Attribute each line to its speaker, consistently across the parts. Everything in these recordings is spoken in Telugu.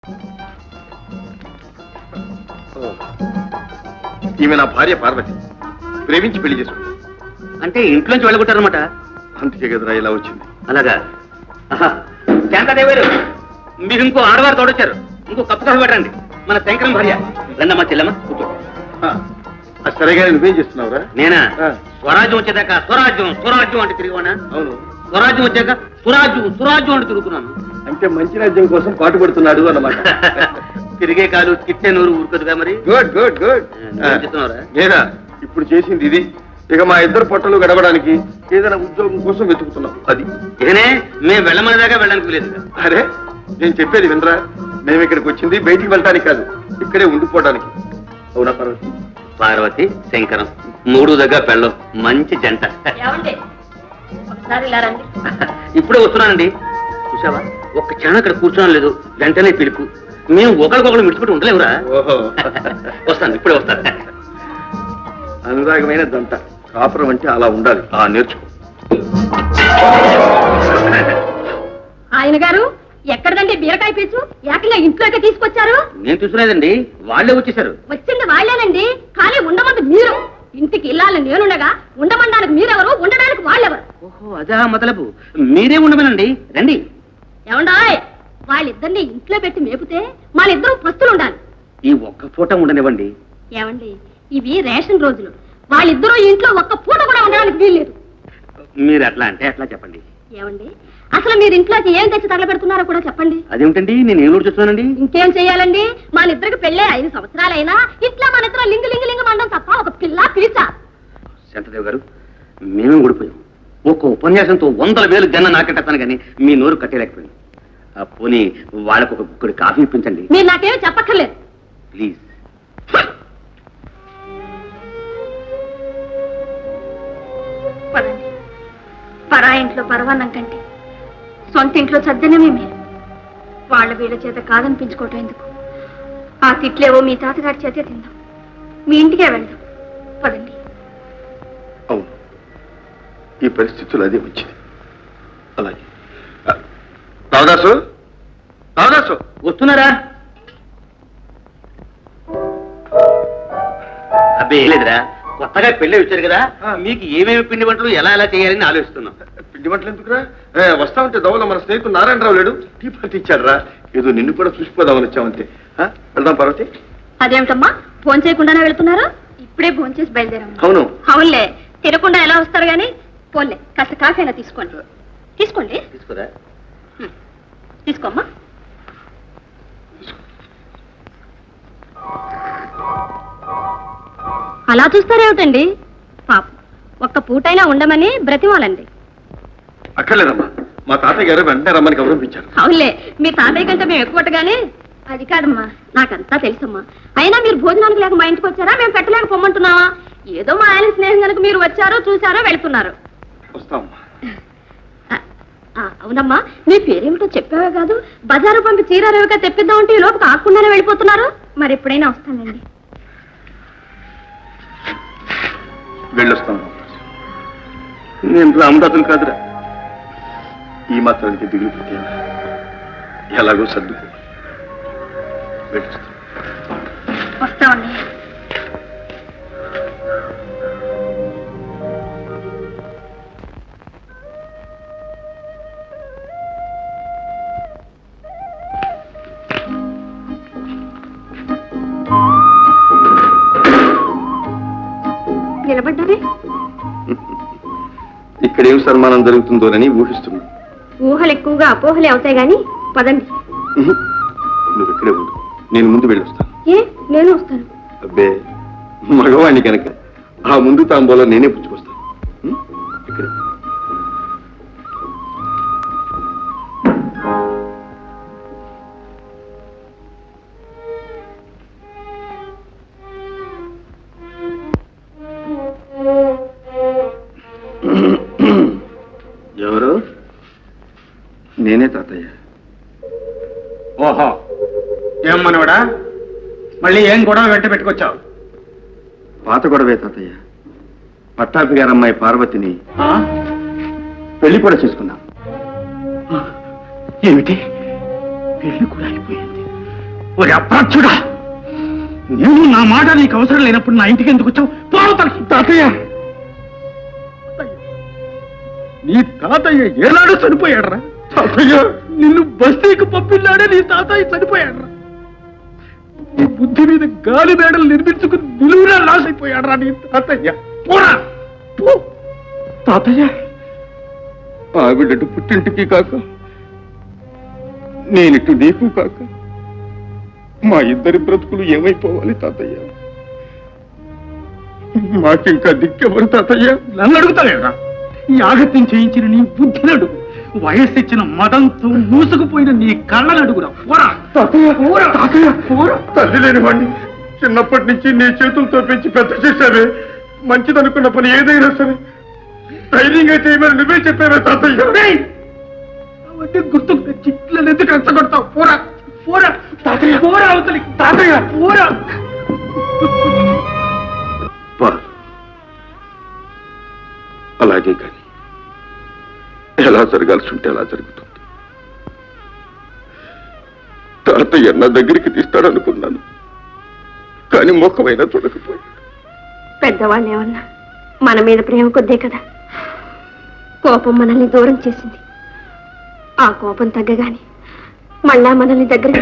Speaker 1: ఈమె నా భార్య పార్వతి, ప్రేమించి పెళ్లి చేసుకుంది.
Speaker 2: అంటే ఇంట్లోంచి వెళ్ళగొట్టారనమాట.
Speaker 1: అందుకే కదరా ఇలా వచ్చింది.
Speaker 2: అలాగా? శాంతాదేవారు, మీరు ఇంకో ఆడవారు తోడొచ్చారు. ఇంకో కప్పు కాఫీ పెట్టండి. మన శంకరం భార్య. రండమ్మా చెల్లమ్మ, కూర్చో.
Speaker 1: సరేగా నువ్వేం చేస్తున్నావురా?
Speaker 2: నేనా? స్వరాజ్యం వచ్చేదాకా స్వరాజ్యం స్వరాజ్యం అంటే తిరిగివానా?
Speaker 1: అవును.
Speaker 2: స్వరాజ్యం వచ్చాక సురాజ్యం సురాజ్యం అంటే తిరుగుతున్నాను.
Speaker 1: అంటే మంచి రాజ్యం కోసం పాటుపడుతున్నాడు అన్నమాట.
Speaker 2: తిరిగే కాలు తిట్టే నూరు ఊరుకదుగా మరి.
Speaker 1: Good good good. నేనా ఇప్పుడు చేసింది ఇది. ఇక మా ఇద్దరు పొట్టలు గడవడానికి ఏదైనా ఉద్యోగం కోసం వెతుకుతున్నాం. అది
Speaker 2: ఇదనే మేము వెళ్ళమనేదాకా వెళ్ళడానికి లేదు.
Speaker 1: అరే నేను చెప్పేది వినరా, మేము ఇక్కడికి వచ్చింది బయటికి వెళ్ళటానికి కాదు, ఇక్కడే ఉండిపోవడానికి. అవునా పార్వతి?
Speaker 2: పార్వతి శంకరం మూడు దగ్గర పెళ్ళం మంచి జంట. ఇప్పుడే వస్తున్నానండి. చూసావా, ఒక్క క్షణం అక్కడ కూర్చోడం లేదు, వెంటనే పిలుపు. మేము ఒకరికొకరు మిడిచిపెట్టి ఉండలేవురా.
Speaker 1: ఓహో
Speaker 2: వస్తాను, ఇప్పుడే వస్తాను.
Speaker 1: అనురాగమైన దంట. కాపురం అంటే అలా ఉండాలి. నేర్చుకో.
Speaker 3: ఆయన గారు ఎక్కడదండి బీరకాయ పీచు? ఏకంగా ఇంట్లోకి తీసుకొచ్చారు.
Speaker 2: నేను చూసులేదండి, వాళ్ళే వచ్చేసారు.
Speaker 3: వచ్చింది వాళ్ళేనండి, కానీ ఉండమంది మీరు. ఇంటికి ఇల్లాలని నేనుండగా ఉండమనడానికి మీరెవరు, ఉండడానికి వాళ్ళెవరు?
Speaker 2: ఓహో అదా మొదలపు. మీరే ఉండమనండి, రండి.
Speaker 3: ఏమండాయ్, వాళ్ళిద్దరిని ఇంట్లో పెట్టి మేపితే వాళ్ళిద్దరూ పస్తులు ఉండాలి.
Speaker 2: ఈ ఒక్క పూట ఉండనివ్వండి.
Speaker 3: ఏమండి, ఇవి రేషన్ రోజులు. వాళ్ళిద్దరూ ఇంట్లో ఒక్క పూట కూడా ఉండడానికి వీల్లేదు.
Speaker 2: మీరు అట్లా అంటే అట్లా చెప్పండి.
Speaker 3: ఏమండి, అసలు మీరు ఇంట్లోకి ఏం తెచ్చి తగలబెడుతున్నారో కూడా చెప్పండి.
Speaker 2: అదేమిటండి, నేను ఏం చూస్తున్నానండి?
Speaker 3: ఇంకేం చెయ్యాలండి, మన ఇద్దరికి పెళ్ళే 5 సంవత్సరాలైనా ఇట్లా మన ఇద్దరు లింగు లింగు లింగు మండం తప్ప ఒక పిల్ల పీచా.
Speaker 2: శాంతదేవ్ గారు, మేమే ఊడిపోయాం. ఒక్క ఉపన్యాసంతో 100,000 జన్న నాకెట్టాను కానీ మీ నోరు కట్టేలేకపోయింది. పోనీ వాళ్ళకు ఒక గుక్కడి కాఫీ ఇప్పించండి.
Speaker 3: మీరు నాకేమీ చెప్పక్కర్లేదు.
Speaker 2: ప్లీజ్.
Speaker 3: పదండి. పరా ఇంట్లో పరవాన్నం కంటే సొంత ఇంట్లో చద్దనమే మీరు. వాళ్ళ వీళ్ళ చేత కాదనిపించుకోవటం ఎందుకు? ఆ తిట్లేవో మీ తాతగారి చేతే తిందాం. మీ ఇంటికే వెళ్దాం. పదండి.
Speaker 1: అవును, ఈ పరిస్థితులు అదే వచ్చింది. అలాగే. రావదాసు, రావదాసు
Speaker 2: వస్తున్నారా? అబ్బే లేదురా, కొత్తగా పెళ్ళి వచ్చారు కదా, మీకు ఏమేమి పిండి వంటలు ఎలా ఎలా చేయాలని ఆలోచిస్తున్నాం.
Speaker 1: పిండి వంటలు ఎందుకురా? వస్తా ఉంటే దవల మన స్నేహితుడు నారాయణరావు లేడు, టీ పార్టీ ఇచ్చాడు రా. ఏదో నిన్ను కూడా చూసిపోదామని వచ్చామంతే. వెళ్దాం పార్వతి.
Speaker 3: అదేమిటమ్మా, ఫోన్ చేయకుండానే వెళ్తున్నారు? ఇప్పుడే ఫోన్ చేసి బయలుదేరాం.
Speaker 1: అవును.
Speaker 3: అవునులే, తినకుండా ఎలా వస్తారు గాని. పోన్లే, కాస్త కాఫీ అయినా తీసుకోండి. తీసుకోండి.
Speaker 2: తీసుకురా.
Speaker 3: తీసుకోమ్మా. అలా చూస్తారేమిటండి? పాప ఒక్క పూటైనా ఉండమని బ్రతిమాలండి.
Speaker 1: అక్కర్లేదమ్మా, మా తాతయ్య గారు వెంటనే రమ్మని గౌరవించారు.
Speaker 3: అవునులే, మీ తాతయ్య కంటే మేము ఎక్కువగానే. అది కాదమ్మా, నాకంతా తెలుసమ్మా. అయినా మీరు భోజనానికి లేక మా ఇంటికి వచ్చారా, మేము పెట్టలేక పొమ్మంటున్నావా? ఏదో మా ఆయన స్నేహం కనుక మీరు వచ్చారో చూసారో వెళ్తున్నారు.
Speaker 1: వస్తామమ్మా.
Speaker 3: అవునమ్మా, మీ పేరేమిటో చెప్పావే కాదు. బజారు పంపి చీరారేవిగా తెప్పిద్దామంటే ఈ లోపు కాకుండానే వెళ్ళిపోతున్నారు. మరి ఎప్పుడైనా వస్తానండి.
Speaker 1: వెళ్ళొస్తాం. నేను రామదాసులు కాదురా, ఈ మాత్రానికి దిగులు పెట్టాను. ఎలాగో సర్దుకో.
Speaker 3: వస్తామండి. నిలబడ్డారే?
Speaker 1: ఇక్కడేం సన్మానం జరుగుతుందోనని ఊహిస్తున్నా.
Speaker 3: ఊహలు ఎక్కువగా అపోహలే అవుతాయి గాని పదండి.
Speaker 1: నువ్వు ఇక్కడే ఉండు, నేను ముందు వెళ్ళొస్తాను.
Speaker 3: ఏ, నేను వస్తాను.
Speaker 1: అబ్బే, మగవాణ్ణి కనుక ఆ ముందు తాంబోలో నేనే పుచ్చుకొస్తాను. ఇక్కడే. ఎవరు? నేనే తాతయ్య.
Speaker 4: ఓహో, ఏం మనవడా, మళ్ళీ ఏం గొడవ వెంట పెట్టుకొచ్చావు?
Speaker 1: పాత గొడవే తాతయ్య. పట్టాపి గారు అమ్మాయి పార్వతిని పెళ్లి కూడా చేసుకున్నాం.
Speaker 4: ఏమిటి, పెళ్లి కూడా అయిపోయింది? ఒరే అప్రాచ్యుడా, నేను నా మాట నీకు అవసరం లేనప్పుడు నా ఇంటికి ఎందుకు వచ్చావు? పోవతలకి. తాతయ్య, నీ తాతయ్య ఏనాడు చనిపోయాడరా? తాతయ్య, నిన్ను బస్తీకి పంపిల్లాడే నీ తాతయ్య చనిపోయాడరా? నీ బుద్ధి మీద గాలి మేడలు నిర్మించుకుని నిలువునా లాస్ అయిపోయాడరా నీ తాతయ్య? పోరా పో. తాతయ్య, ఆవిడటు పుట్టింటికి కాక నేనిటు నీకు కాక మా ఇద్దరి బ్రతుకులు ఏమైపోవాలి తాతయ్య? మాకింకా దిక్కెవరు తాతయ్య? నన్ను అడుగుతాలేరా? ఈ ఆగత్యం చేయించిన నీ బుద్ధిని అడుగు, వయస్సు ఇచ్చిన మదంతో మూసుకుపోయిన నీ కళ్ళను అడుగురా. పోరా తాతయ్య, పోరా తాతయ్య, పోరా. తల్లి లేని వాడిని చిన్నప్పటి నుంచి నీ చేతులతో పెంచి పెద్ద చేశావే, మంచిదనుకున్న పని ఏదైనా సరే ధైర్యంగా చేయమని నువ్వే చెప్పావే తాతయ్య. అవన్నీ గుర్తుకు తెచ్చి నన్ను ఎందుకు రెచ్చగొడతావు? పోరా పోరా తాతయ్య, పోరా అవతలికి. తాతయ్య, పోరా.
Speaker 1: అలాగే కానీ ఎలా జరగాల్సి ఉంటే అలా జరుగుతుంది. తాతయ్య నా దగ్గరికి తీస్తాడనుకున్నాను, కానీ ముఖమైనా చూడకపోయాడు.
Speaker 3: పెద్దవాళ్ళు ఏమన్నా మన మీద ప్రేమ కొద్దే కదా కోపం మనల్ని దూరం చేసింది. ఆ కోపం తగ్గగానే మళ్ళా మనల్ని దగ్గర.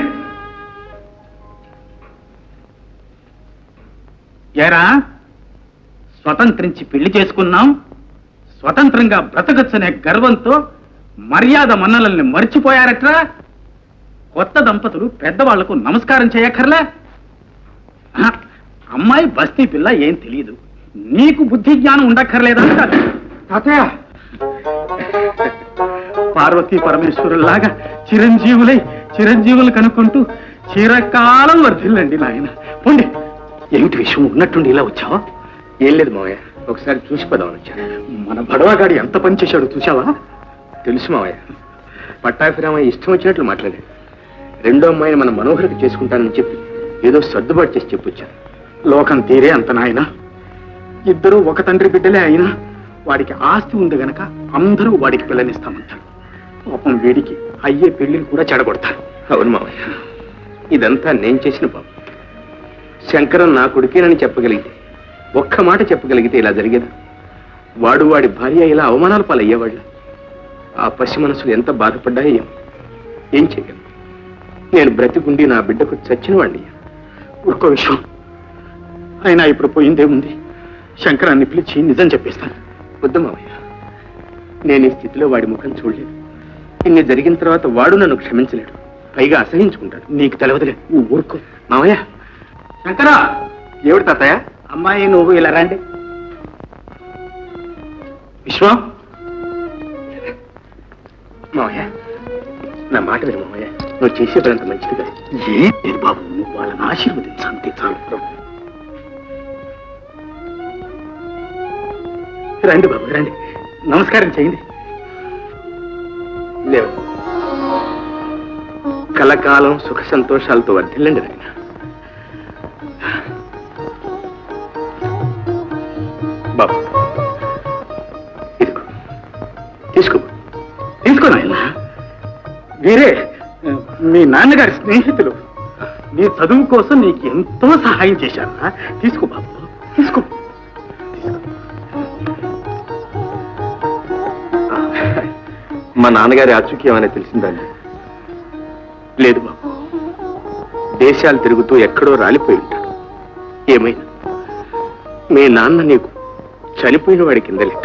Speaker 4: ఏరా, స్వతంత్రించి పెళ్లి చేసుకున్నాం, స్వతంత్రంగా బ్రతకచ్చనే గర్వంతో మర్యాద మన్నలల్ని మర్చిపోయారట్రా? కొత్త దంపతులు పెద్దవాళ్లకు నమస్కారం చేయక్కర్లే? అమ్మాయి బస్తీ పిల్ల ఏం తెలియదు, నీకు బుద్ధి జ్ఞానం ఉండక్కర్లేదా? తాతయ్య, పార్వతీ పరమేశ్వరులాగా చిరంజీవులు కనుక్కుంటూ చిరకాలం వర్ధిల్లండి నాయన. పోండి. ఏమిటి విషయం? ఉన్నట్టుండి ఇలా వచ్చావా?
Speaker 2: ఏం లేదు మావయ్య, ఒకసారి చూసిపోదామని వచ్చాను.
Speaker 4: మన బడవాగాడి ఎంత పని చేశాడు చూసావా?
Speaker 2: తెలుసు మావయ్య, పట్టాభిరామయ్య ఇష్టం వచ్చినట్లు మాట్లాడాడు. రెండో అమ్మాయిని మన మనోహరికి చేసుకుంటానని చెప్పి ఏదో సర్దుబాటు చేసి చెప్పొచ్చాను.
Speaker 4: లోకం తీరే అంత నాయన. ఇద్దరూ ఒక తండ్రి బిడ్డలే అయినా వాడికి ఆస్తి ఉంది గనక అందరూ వాడికి పిల్లనిస్తామంటారు. పాపం వీడికి అయ్యే పెళ్లిని కూడా చెడగొడతారు.
Speaker 2: అవును మావయ్య, ఇదంతా నేను చేసిన పాపం. శంకరం నా కొడుకేనని చెప్పగలిగితే, ఒక్క మాట చెప్పగలిగితే ఇలా జరిగేదా? వాడు వాడి భార్య ఇలా అవమానాల పాలయ్యేవాళ్ళ. ఆ పసి మనసులు ఎంత బాధపడ్డాయో ఏం చేయగలను? నేను బ్రతికుండి నా బిడ్డకు చచ్చిన వాడిని.
Speaker 4: ఒక్క విషయం అయినా ఇప్పుడు పోయిందేముంది, శంకరాన్ని పిలిచి నిజం చెప్పేస్తాను.
Speaker 2: వద్దు మావయ్య, నేను ఈ స్థితిలో వాడి ముఖం చూడలేదు. ఇన్ని జరిగిన తర్వాత వాడు నన్ను క్షమించలేడు, పైగా అసహించుకుంటాడు.
Speaker 4: నీకు తెలవదులే, నువ్వు ఊరుకో.
Speaker 2: మావయ్య.
Speaker 4: శంకరా,
Speaker 2: ఏమిటి తాతయ్య?
Speaker 4: అమ్మాయి నువ్వు ఇలా రండి. విశ్వం,
Speaker 2: మావయ్య నా మాట విను మావయ్య, నువ్వు చేసే పని అంత మంచిది కాదు.
Speaker 4: ఏం లేదు బాబు, నువ్వు వాళ్ళని ఆశీర్వదించంతే చాలు. రండి బాబు, రండి, నమస్కారం చేయండి.
Speaker 2: లేవు, కలకాలం సుఖ సంతోషాలతో వర్ధిల్లండి నాయన. బాబు ఇదిగో,
Speaker 4: తీసుకో నాయన. వీరే మీ నాన్నగారి స్నేహితులు, నీ చదువు కోసం నీకు ఎంతో సహాయం చేశారా. తీసుకో బాబు, తీసుకో.
Speaker 1: మా నాన్నగారి ఆచూక్యం అనేది తెలిసిందండి?
Speaker 2: లేదు బాబు, దేశాలు తిరుగుతూ ఎక్కడో రాలిపోయి ఉంటాడు. ఏమైనా మీ నాన్న నీకు చనిపోయిన వాడి కింద లెక్క.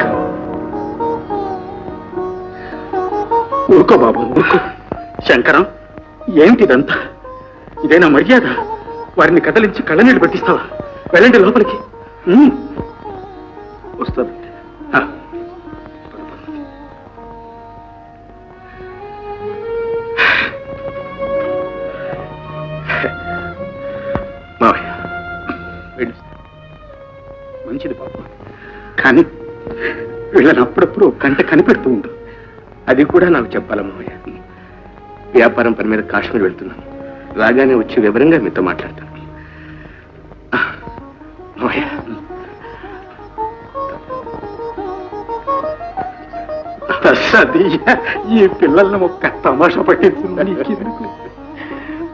Speaker 4: ఊరుకో బాబు, ఊరుకో. శంకరం, ఏమిటిదంతా? ఇదేనా మర్యాద? వారిని కదలించి కళ్ళనీళ్ళు పెట్టిస్తావా? వెళ్ళండి లోపలికి.
Speaker 2: వస్తుంది. మావయ్య,
Speaker 4: మంచిది బాబు, కానీ వీళ్ళని అప్పుడప్పుడు కంట కనిపెడుతూ ఉండు.
Speaker 2: అది కూడా నాకు చెప్పాలా మావయ్య? వ్యాపారం పని మీద కాశ్మీర్ వెళ్తున్నాను, రాగానే వచ్చి వివరంగా మీతో మాట్లాడతాను. మావయ్య,
Speaker 4: ఈ పిల్లల్ని ఒక్క తమాషా పట్టించిందని